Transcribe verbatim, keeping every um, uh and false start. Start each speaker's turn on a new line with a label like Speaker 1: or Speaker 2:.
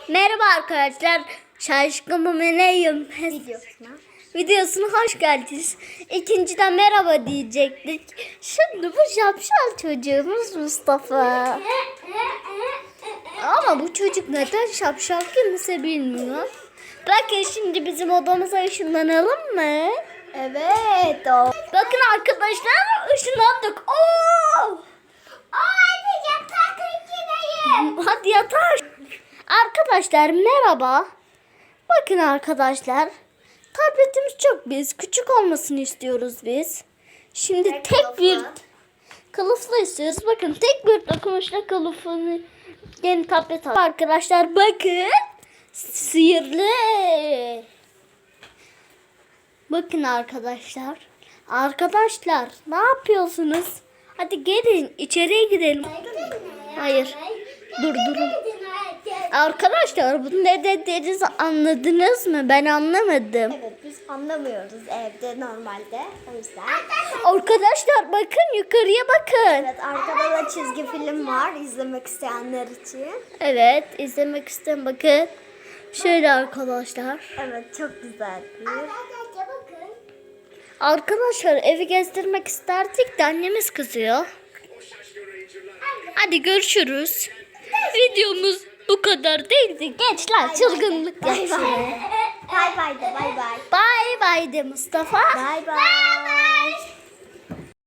Speaker 1: Merhaba arkadaşlar. Şaşkın Meleğim
Speaker 2: Videosuna.
Speaker 1: videosuna hoş geldiniz. İkinciden merhaba diyecektik. Şimdi bu şapşal çocuğumuz Mustafa. Ama bu çocuk neden şapşal kimse bilmiyor. Bakın şimdi bizim odamıza ışınlanalım mı?
Speaker 2: Evet o.
Speaker 1: Bakın arkadaşlar ışınlandık. Oo!
Speaker 2: Hadi yatakta gideyim.
Speaker 1: Hadi yatar. Arkadaşlar merhaba. Bakın arkadaşlar. Tabletimiz çok biz. Küçük olmasını istiyoruz biz. Şimdi
Speaker 2: Tek
Speaker 1: tek,
Speaker 2: kılıflı.
Speaker 1: bir kılıflı istiyoruz. Bakın tek bir dokunuşla kılıfını yeni tablet aldık. Arkadaşlar bakın. Sihirli. Bakın arkadaşlar. Arkadaşlar ne yapıyorsunuz? Hadi gelin içeriye gidelim. Hayır. Dur durun. Arkadaşlar bunu ne dediğinizi anladınız mı? Ben anlamadım.
Speaker 2: Evet biz anlamıyoruz evde normalde. O yüzden.
Speaker 1: Arkadaşlar bakın yukarıya bakın.
Speaker 2: Evet arkada da çizgi film var izlemek isteyenler için.
Speaker 1: Evet izlemek isteyen bakın. Şöyle arkadaşlar.
Speaker 2: Evet çok güzel bir.
Speaker 1: Arkadaşlar evi gezdirmek isterdik de annemiz kızıyor. Hadi görüşürüz. Videomuz bu kadar değildi. Gençler çılgınlık
Speaker 2: Bay
Speaker 1: yapsın.
Speaker 2: bay. Bay bay de bay bay.
Speaker 1: Bay bay de Mustafa.
Speaker 2: Bay bay.